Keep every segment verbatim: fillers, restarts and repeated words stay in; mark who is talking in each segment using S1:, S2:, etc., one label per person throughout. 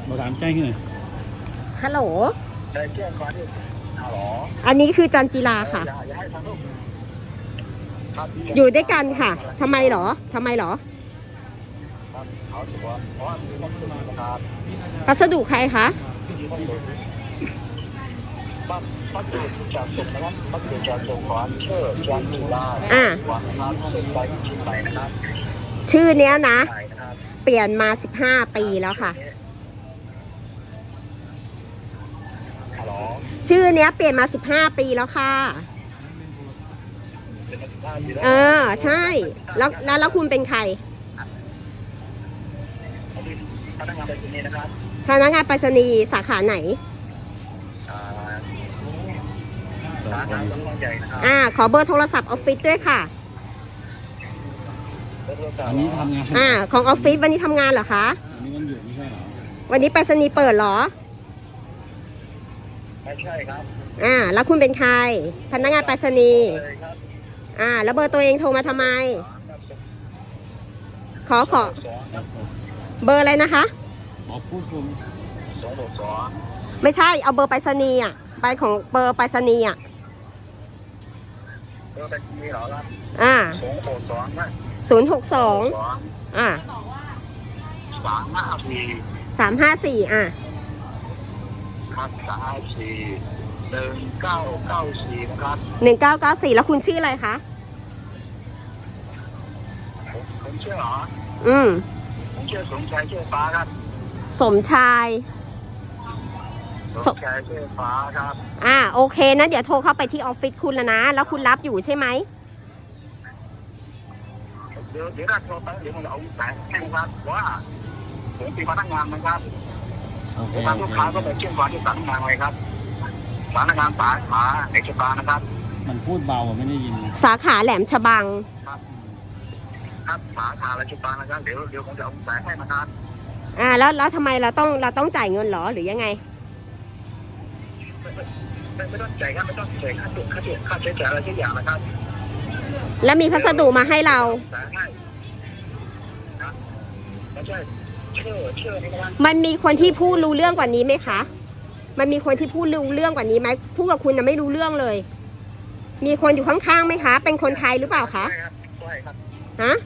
S1: เราถามแจ้งที่ไหน
S2: ฮัลโหล
S3: แจ้งความที่ฮัลโหล
S2: อันนี้คือจันจิลาค่ะอยู่ด้วยกันค่ะทำไมหรอทำไมหรอพัสดุใครคะ
S3: พัสดุจากส่งนะครับพัสดุจากส่งของเชื่อจันจิลา
S2: อ่าชื่อเนี้ยนะเปลี่ยนมาสิบห้าปีแล้วค่ะชื่อเนี้ยเปลี่ยนมาสิบห้าปีแล้วค่ะเออใช่แล้วแล้วแล้วคุณเป็นใคร
S3: พนักงานไปรษณีย์นะครับ
S2: พนักงานไปรษณีย์สาขาไหน
S3: สาขาต้องใหญ่นะครับ
S2: อ่าขอเบอร์โทรศัพท์ออฟฟิศด้วยค่ะ
S1: วันนี้ทำงาน
S2: อ่าของออฟฟิศวันนี้ทำงานเหรอคะ
S1: วันนี้วันหยุดไม่ใช่เหรอ
S2: วันนี้ไปรษณีย์เปิดเหรอ
S3: ไม่ใช่ครับ
S2: อ่าแล้วคุณเป็นใครพนักงานไปรษณีย์อ่าแล้วเบอร์ตัวเองโทรมาทำไมขอขอเบอร์อะไรนะคะ
S1: ขอพูดคุณ
S3: สองหกสอง
S2: ไม่ใช่เอาเบอร์ไปรษณีย์อ่ะใบของเบอร์ไปรษณีย์อ่ะ
S3: เบอร์ไปรษณีย์เหรอครับ
S2: อ่า
S3: สองหกสองนะ
S2: ศูนย์หกสองอ่า
S3: สามห้าสี่
S2: สามห้าสี่อ่ะ
S3: ครับสามห้าสี่หนึ่งเก้าเก้าสี่นะครับ
S2: หนึ่งเก้าเก้าสี่แล้วคุณชื่ออะไรคะ
S3: ผมชื่อเหรอ
S2: อืม
S3: ผมชื่อสมชายเชื่อฟ้าครับ
S2: สมชาย
S3: สมชายเชื่อฟ้าครับ
S2: อ่าโอเคนะเดี๋ยวโทรเข้าไปที่ออฟฟิศคุณแล้วนะแล้วคุณรับอยู่ใช่ไหม
S3: เดี๋ยวเดี๋ยวเราโทรไปเดี๋ยวผมจะเอาสายให้ครับว่าผมเป็นพนักงานนะครับทางลูกค้าก็ไปเชื่อมต่อที่สำนักงานไว้ครับสำนักงานสาขาเอกชนนะครับ
S1: มันพูดเบาไม่ได้ยิน
S2: สาขาแหลมฉบัง
S3: ครับครับสาขาแหลมฉบังนะครับเดี๋ยวเดี๋ยวผมจะเอาสายให้นะครับ
S2: อ่าแล้วแล้วทำไมเราต้องเราต้องจ่ายเงินหรอหรือยังไง
S3: ไม่ไม่ต้องจ่ายครับไม่ต้องจ่ายค่าเสียค่าเสียค่าใช้จ่ายอะไรทุกอย่างนะครับ
S2: แล้วมีพัสดุมาให้เรามันมีคนที่พูดรู้เรื่องกว่านี้ไหมคะมันมีคนที่พูดรู้เรื่องกว่านี้ไหมพูดกับคุณน่ะไม่รู้เรื่องเลยมีคนอยู่ข้างๆไหมคะเป็นคนไทยหรือเปล่าคะฮะ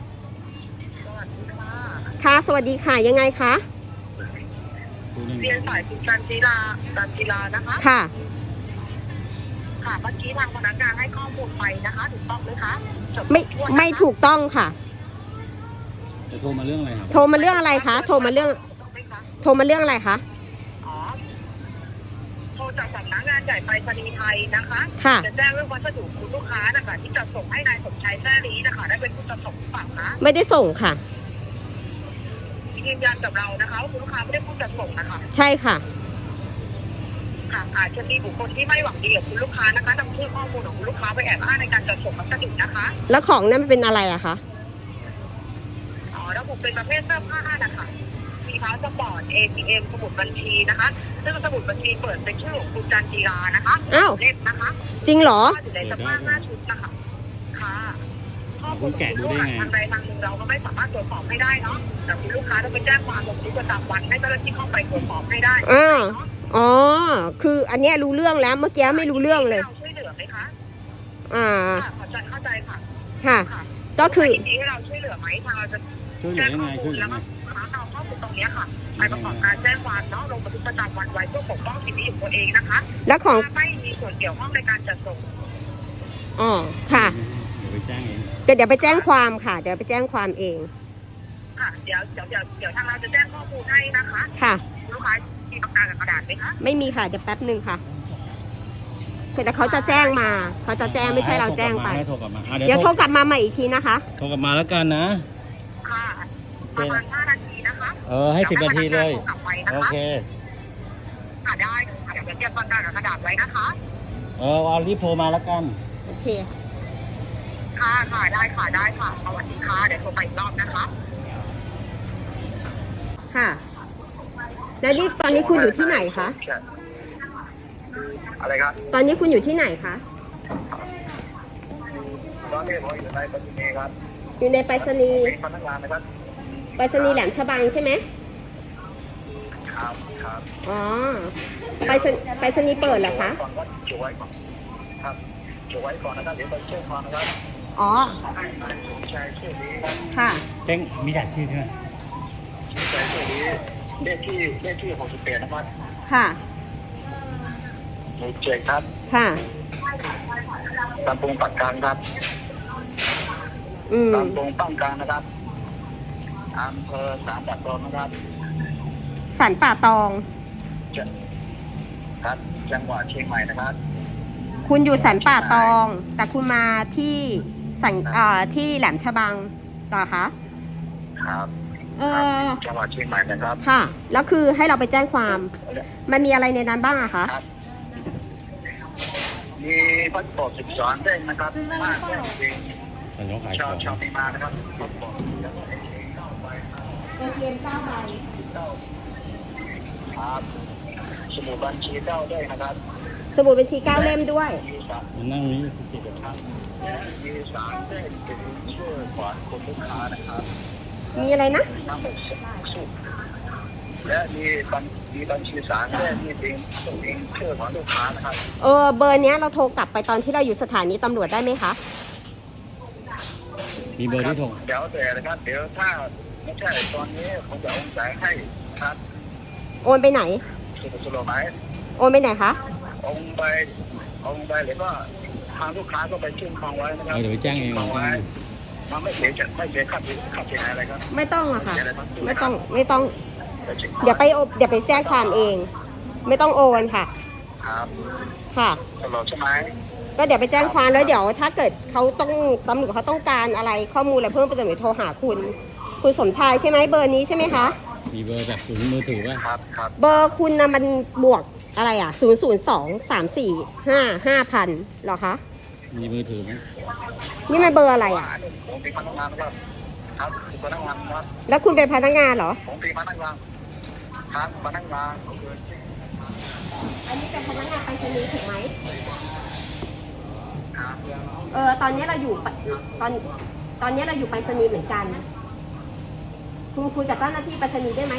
S2: ค่ะสวัสดีค่ะยังไงคะ
S3: เรียนสายคุณจันจิลาจันจิลานะคะ
S2: ค่ะ
S3: ค่ะเมื่อกี้ทางพนักงานให้ข้อมูลไปนะคะถูกต้องไหมคะ
S2: ไม่ไม่ถูกต้องค่ะ
S1: จะโทรมาเรื่องอะไรครับ
S2: โทรมาเรื่องอะไรคะโทรมาเรื่องโทรมาเรื่องอะไรคะ
S3: อ๋อโทรจากสำนักงานใหญ่ไปรษณีย์ไทยนะคะ
S2: ค่ะ
S3: จะแจ้งเรื่องวัสดุคุณลูกค้านะคะที่จะส่งให้นายสมชายแท้ลีนะคะได้เป็นผู้จัดส่งหรือเปล่าคะ
S2: ไม่ได้ส่งค่ะ
S3: ยืนยันกับเรานะคะว่าคุณลูกค้าไม่ได้ผู้จัดส่งนะคะ
S2: ใช่ค่ะ
S3: ค่ะอาจจะมีบุคคลที่ไม่หวังดีกับคุณลูกค้านะคะนำชื่อข้อมูลของคุณลูกค้าไปแอบอ้างในการจัดส่งพัสดุนะคะ
S2: แล้วของนั้นเป็นอะไรอะคะ
S3: อ๋อระบบเป็นประเภทเสื้อผ้านะคะมีพาสปอร์ต เอ ที เอ็ม สมุดบัญชีนะคะซึ่งสมุดบัญชีเปิดเป็นชื่อของคุณจันจิรานะคะ
S2: อ้าว
S3: เล่มนะคะ
S2: จริงเหรอ
S3: อยู่ในสภาพหน้าชุดนะคะค่ะข้อมูลของคุณลูกค้าทางใดทางหนึ่งเราก็ไม่สามารถตรวจสอบให้ได้เนาะแต่คุณลูกค้าต้องไปแจ้งความลงบันทึกประจำวันให้เจ้าหน้าที่เข้าไปตรวจสอบให้ได้
S2: อ่าอ๋อคืออันนี้รู้เรื่องแล้วเมื่อกี้ไม่รู้เรื่องเลย
S3: เราช่วยเหลือไหมคะ
S2: อ่า
S3: เข้าใจเข้าใจค่ะ
S2: ค่ะก็คือ
S3: ยินดีให้เราช่วยเหลือไหมทางเราจะ
S1: แจ้งข้อมูล
S3: แล้วก็เอาข้อมูลตรงนี้ค่ะไปประกอบการแจ้งความเนาะลงบันทึกประจำวันไว้เพื่อปกป้องสิทธิของตัวเองนะคะ
S2: แล้วของ
S3: ไม่มีส่วนเกี่ยวข้องในการจัดส่ง
S2: อ๋อค่ะ
S1: เดี๋ยวไปแจ้งเอง
S2: เดี๋ยวเดี๋ยวไปแจ้งความค่ะเดี๋ยวไปแจ้งความเอง
S3: ค่ะเดี๋ยวเดี๋ยวเดี๋ยวเดี๋ยวทางเราจะแจ้งข้อมูลให้นะคะ
S2: ค่ะ
S3: ลูกค้ามีปากกากับกระดาษไหมคะ
S2: ไม่มีค่ะเดี๋ยวแป๊บนึงค่ะแต่เขาจะแจ้งมาเขาจะแจ้งไม่ใช่เราแจ้งไปเดี๋ยวโทรกลับมาใหม่อีกทีนะคะ
S1: โทรกลับมาแล้วกันนะ
S3: ค่ะประมาณห้านาทีนะคะ
S1: เออให้สิบนาทีเลยโอเค
S3: ค่ะได้ค่ะเดี๋ยวเตรียมปากกากับกระดาษไว้นะคะ
S1: เออเอารีบโทรมาแล้วกัน
S2: โอเค
S3: ค่ะค่ะได้ค่ะได้ค่ะสวัสดีค่ะเดี๋ยวโทรไปอีกรอบนะคะ
S2: ค่ะแล้วนี่ตอนนี้คุณอยู่ที่ไหนคะ
S3: อะไรครับ
S2: ตอนนี้คุณอยู่ที่ไหนคะ
S3: ตอนนี้ผมอยู่ในไปรษณีย์ครับ
S2: อยู่ในไปรษณีย์
S3: พนักงานนะครับ
S2: ไปรษณีย์แหลมฉบังใช่ไหม
S3: คครับครับ
S2: อ๋อ ไปสนไปสนีย์เปิดเหรอคะ
S3: ก่อนก็เก็บไว้ก่อนครับเก็บไว้ก่อนนะครับเดี๋ยวไปเชื่อความนะครับ
S2: อ๋อ
S3: ให้นายสมชายชื่อนี้ครับ
S2: ค่ะ
S1: แจ้งมีจ่ายชื่อใช่ไหม
S3: สมชายชื่อนี้เลขที่เลขที่หกสิบแปดนะครับ
S2: ค่ะ
S3: หมู่เจ็ดครับ
S2: ค่ะ
S3: ตำบลปักกลางครับ
S2: อืม
S3: ตำบลปักกลางนะครับอำเภอสามปักตองนะครับ
S2: สันป่าตอง
S3: จะครับจังหวัดเชียงใหม่นะครับ
S2: คุณอยู่สันป่าตอง แต่คุณมาที่สันเอ่อที่แหลมฉบังเหรอคะ
S3: ครับ
S2: เออ
S3: จังหวัดเชียงใหม่นะครับ
S2: ค่ะ แล้วคือให้เราไปแจ้งความ มันมีอะไรในนั้นบ้างอะคะ
S3: ครับ มีพัสปอร์ตสิบสองเด้งนะครับมาแจ้งจริง
S1: แต่น้องขาย
S3: ชา
S1: ข
S3: ว
S1: อง
S3: ชาวเมียนมานะครับพัสปอร์ต
S2: เอทีเอ็มเก้าใบ
S3: ครับสมุดบัญชีเก้าเด้งนะครับ
S2: สมุดบัญชีเก้าเล่มด้วย
S3: มีสาม
S1: มันนั่งนี้สิบ
S3: ครับและมีสามเด้งเป็นชื่อของคนลูกค้านะครับ
S2: มีอะไรนะ
S3: ทั้งหมดสิบสุดและมีบัญมีบัญชีสามเด้งที่เป็นเป็นชื่อของลูกค้านะครับ
S2: เออ เบอร์เนี้ยเราโทรกลับไปตอนที่เราอยู่สถานีตำรวจได้ไหมคะ
S1: มีเบอร์ที่โทร
S3: เดี๋ยวแต่นะครับเดี๋ยวถ้าไม่ใช่ตอนนี้ผมจะโอนจ่ายให้ครับ
S2: โอนไปไหน
S3: สุดสุดไหม
S2: โอนไปไหนคะ
S3: โอนไปโอนไปหรือว่าทางลูกค้าก็ไปชื่นคองไว้นะครั
S1: เอาเดี๋ยวไปแจ้งเอง
S3: คองไว้มันไม่เสียจะไม่เสียค่าเสียค่าเสียหายอะไรครับ
S2: ไม่ต้องอะค่ะ
S3: เสียอะไรครับ
S2: ไม่ต้อง ไม่ต้อง
S3: ไปเช็ค
S2: เดี๋ยวไปโอเดี๋ยวไปแจ้งความเอง ไม่ต้องโอนค่ะ
S3: ครับ
S2: ค่ะ
S3: ตลอดใช่ไหม
S2: ก็เดี๋ยวไปแจ้งความแล้วเดี๋ยวถ้าเกิดเขาต้องตำรวจเขาต้องการอะไรข้อมูลอะไรเพิ่มเติมเดี๋ยวโทรหาคุณ คุณสมชายใช่ไหมเบอร์นี้ใช่ไหมคะ
S1: มีเบอร์จากศูนย์มือถือป่ะ
S3: ครับครับ
S2: เบอร์คุณนะมันบวกอะไรอ่ะศูนย์ศูนย์สองสามสี่ห้าห้าพันหรอคะ
S1: มีมือถือไหม
S2: นี่มันเบอร์อะไรอ่ะ
S3: ผมเป็นพนักงานนะครับครับเป็นพนักงานครับ
S2: แล้วคุณเป็นพนักงานเหรอ
S3: ผมเป็นพนักงานครับพนักงาน
S2: อันนี้เป็นพนักงานไปรษณีย์ถูกไหม
S3: ครับ
S2: เออตอนนี้เราอยู่ปะตอนตอนนี้เราอยู่ไปรษณีย์เหมือนกัน คุณคุยกับเจ้าหน้าที่ไปรษณีย์ได้ไหม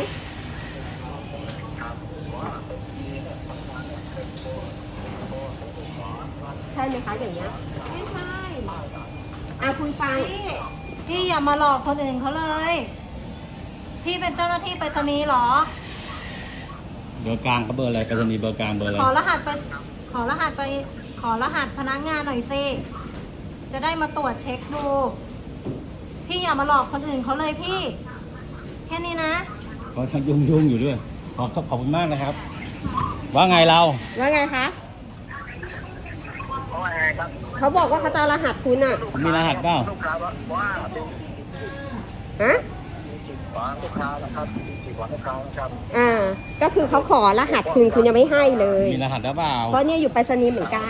S2: ใช่ไหมคะอย่างเงี้ย
S4: ไม่ใช่
S2: อ่ะคุณฟัง
S4: พี่พี่อย่ามาหลอกคนอื่นเขาเลย พี่เป็นเจ้าหน้าที่ไปรษณีย์เหรอ
S1: เบอร์กลางก็เบอร์อะไรไปรษณีย์เบอร์กลางเบอร์อะไร
S4: ขอรหัสไป ขอรหัสไป ขอรหัสพนักงานหน่อยสิ จะได้มาตรวจเช็คดู พี่อย่ามาหลอกคนอื่นเขาเลยพี่ แค่นี้นะ
S1: เขายุ่งยุ่งๆอยู่ด้วย ขอบขอบคุณมากนะครับ ว่าไงเรา
S2: ว่าไงคะ
S3: เพราะว่าไงครับ
S2: เขาบอกว่าเขาจะเอารหัสคุณอ่ะ
S1: มีรหัสเปล่า
S3: ลูกค้าว่าว่าเป็น
S2: ฮะ
S3: จิตของลูกค้านะครับจิตของลูกค้านะครับ
S2: อ่า ก็คือเขาขอรหัสคุณคุณยังไม่ให้เลย
S1: มีรหัสหรือเปล่า
S2: เพราะเนี่ยอยู่ไปรษณีย์เหมือนกัน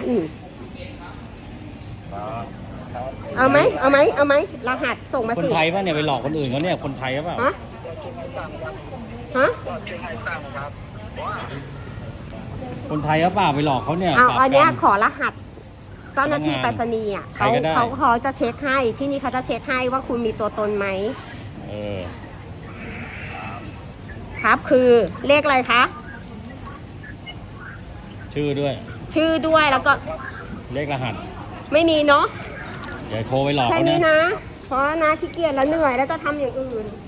S3: ครับครับ
S2: เอาไหมเอาไหมเอาไหมรหัสส่งมา
S1: คน
S2: สิ
S1: ไทยป่ะเนี่ยไปหลอกคนอื่นเขาเนี่ย คนไทยหรือเปล่า
S2: ฮะ
S3: ก็ช่วยให้ทราบนะครับ
S2: ฮะ
S3: ก็ช่วยให้ทราบนะครับว่า
S1: คนไทยหรือเปล่าไปหลอกเขาเนี่ย
S2: เอา
S1: ปราบ
S2: อันเนี้ย
S1: กั
S2: ขอรหัสเจ้าหน้าที่ไปรษณีย์อ่ะ
S1: ใคร
S2: เขา
S1: ก็ได้
S2: เขาเขาจะเช็คให้ที่นี่เขาจะเช็คให้ว่าคุณมีตัวตนไหม
S1: เออ
S2: ครับคือเลขอะไรคะ
S1: ชื่อด้วย
S2: ชื่อด้วยแล้วก็
S1: เลขรหัส
S2: ไม่มีเนาะ
S1: เดี๋ยวโทรไปหลอก
S2: แค่
S1: เขา
S2: นี้
S1: นะ
S2: นะ เพราะนะขี้เกียจแล้วเหนื่อยแล้วจะทำอย่างอื่น
S3: ค